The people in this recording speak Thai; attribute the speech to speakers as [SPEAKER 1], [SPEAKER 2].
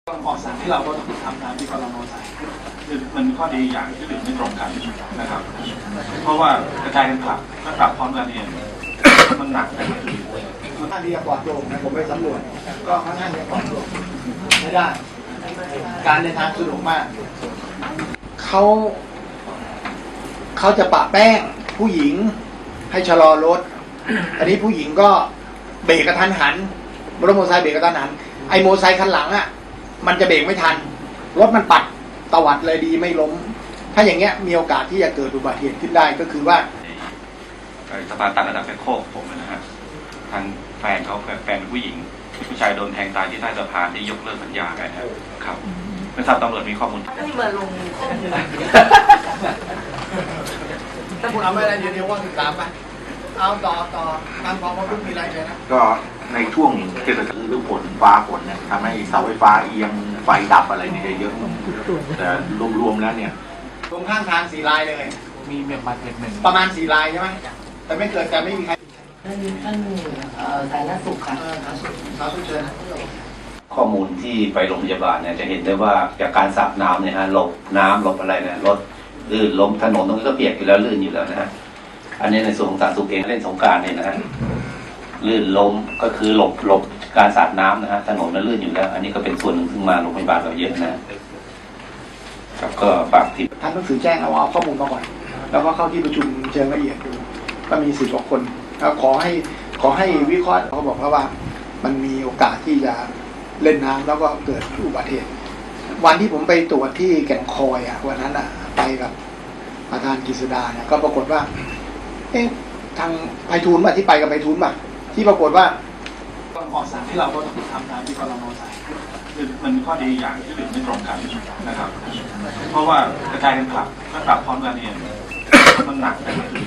[SPEAKER 1] เหมาะสมที่เราก็ต้องทำตามที่กรม.สั่งคือมันข้อดีอย่างที่อื่นไม่ตรงกันนะครับเพราะว่ากระจายกันกลับถ้ากลับพร้อมกันเนี่ยมันหนักไป
[SPEAKER 2] ค่อนข้างที่จะปลอดโปร่งนะผมไปสำรวจก็ค่อนข้างที่จะปลอดโปร่งไม่ได้การเดินทางสะดวกมากเขาจะปะแป้งผู้หญิงให้ชะลอรถอันนี้ผู้หญิงก็เบรกกระทันหันรถมอเตอร์ไซค์เบรกกระทันหันไอ้มอเตอร์ไซค์คันหลังอ่ะมันจะเบรกไม่ทันรถมันปัดตวัดเลยดีไม่ล้มถ้าอย่างเงี้ยมีโอกาสที่จะเกิดอุบัติเหตุขึ้นได้ก็คือว่า
[SPEAKER 3] สะพานต่างระดับแบคโคกผมนะฮะทางแฟนเขาแฟนผู้หญิงผู้ชายโดนแทงตายที่ใต้สะพานที่ยกเลิกสัญญากันครับไม่ทราบตำรวจมีข้อมูล
[SPEAKER 4] ไม่มาลงข้อมูล
[SPEAKER 2] ถ้าคุณเอาไม่ได้เดี๋ยวว่า13ไปเอาต่อทางกองทัพมีอะไรเลยนะ
[SPEAKER 5] ก็ในช่วงเทศกาลฤดูฝนฟ้าฝนเนี่ยทำให้เสาไฟฟ้าเอียงไฟดับอะไรเนี่ยเยอะแต่รวมๆแล้วเนี่ย
[SPEAKER 2] ตรงข้างทาง4 ลายเลย
[SPEAKER 1] มีเมียมาเ1
[SPEAKER 2] ประมาณ4 ลายใช่ไหมแต่ไม่เกิดแต่ไม่มีใคร
[SPEAKER 4] ท่านสาธารณสุขค่ะ
[SPEAKER 2] สาธารณสุขเชิญนะ
[SPEAKER 3] ข้อมูลที่ไปโรงพยาบาลเนี่ยจะเห็นได้ว่าจากการสาดน้ำเนี่ยฮะหลบน้ำหลบอะไรเนี่ยรถลื่นล้มถนนตรงนี้ก็เปียกอยู่แล้วลื่นอยู่แล้วนะฮะอันนี้ในส่วนของสาธารณสุขเองเล่นสงกรานต์เนี่ยนะฮะลื่นล้มก็คือหลบการสาดน้ำนะฮะถนนมันลื่นอยู่แล้วอันนี้ก็เป็นส่วนหนึ่งซึ่งมาโรงพยาบาลเราเยอะนะครับก็ฝากที
[SPEAKER 2] ท่านต้องสื่อแจ้งเอาข้อมูลมาก่อนแล้วก็เข้าที่ประชุมเชิงละเอียดดูก็มี10 กว่าคนแล้วขอให้วิเคราะห์เขาบอกว่ามันมีโอกาสที่จะเล่นน้ำแล้วก็เกิดอุบัติเหตุวันที่ผมไปตรวจที่แก่งคอยวันนั้นไปกับประธานกฤษดาเนี่ยก็ปรากฏว่าทางไพฑูรย์ที่ไปกับไพฑูรย์ที่ปรากฏว่า
[SPEAKER 1] เหมาะสมที่เราก็ต้องทำตามที่กรม.สั่งคือมันข้อดีอย่างที่อื่นไม่ตรงกันนะครับเพราะว่ากระจายกันกลับถ้ากลับพร้อมกันเนี่ยมันหนักไป